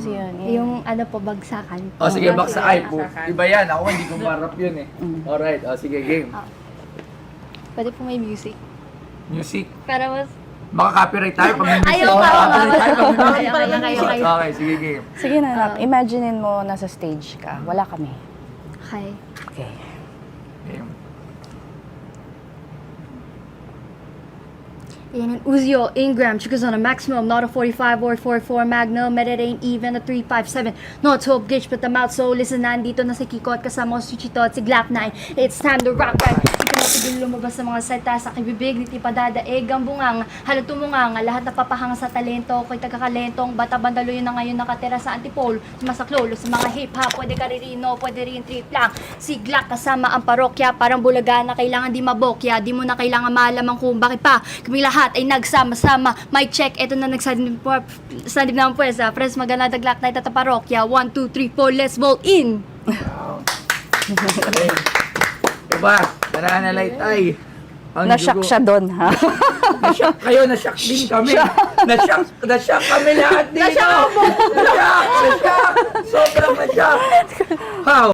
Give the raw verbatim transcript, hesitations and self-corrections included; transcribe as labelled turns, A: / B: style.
A: kasi yun. eh.
B: Yung ano po, bagsakan.
C: O sige,
B: Ah,
C: baksa ay. po. Iba yan. Ako hindi ko marap yun eh.
A: Mm.
C: Alright, o sige, game.
B: Pwede po may music.
C: Music.
B: Para mas...
C: Maka-copyright tayo pag may music.
B: Ayaw pa,
C: Maka-copyright tayo pag may music.
B: Okay, okay, okay, okay.
C: Okay, sige, game.
A: Sige na, Nak.
B: Ah.
A: Imaginein mo nasa stage ka. Wala kami.
B: Okay.
A: Okay.
C: Game.
B: In an Uzi Ingram, triggers on a maximum, not a forty-five or forty-four Magnum, but it ain't even a three five seven. No twelve gauge, but I'm out, so listen, nandito na si Kiko at kasama ko si Chito at si Glock nine. It's time to rock right. Di ka matigil lumabas sa mga salita sa kibibig, di pa dadaig ang bungang, halat tumungang, lahat na papahanga sa talento, ko'y tagakalentong, bata bandalo yun na ngayon nakatira sa antipolo, sumasaklolo sa mga hip-hop, pwede ka ririno, pwede rin trip lang. Si Glock kasama ang parokya, parang bulaga na kailangan di mabokya, di mo na kailangan malamang kung bakit pa, kaming lahat ay nagsama-sama. Mic check, eto na nagsanib po, sanib naman po sa Friends Magana Daglak Night at parokya. one, two, three, four, let's vote in!
C: Okay. Diba? Nananalay tay. Ang
A: Nashock
C: dugo.
A: siya doon, ha?
C: Nashock kayo, nashock din kami. Nashock, nashock kami lahat dito. Nashock! Nashock! Nashock! Sobrang nashock! How?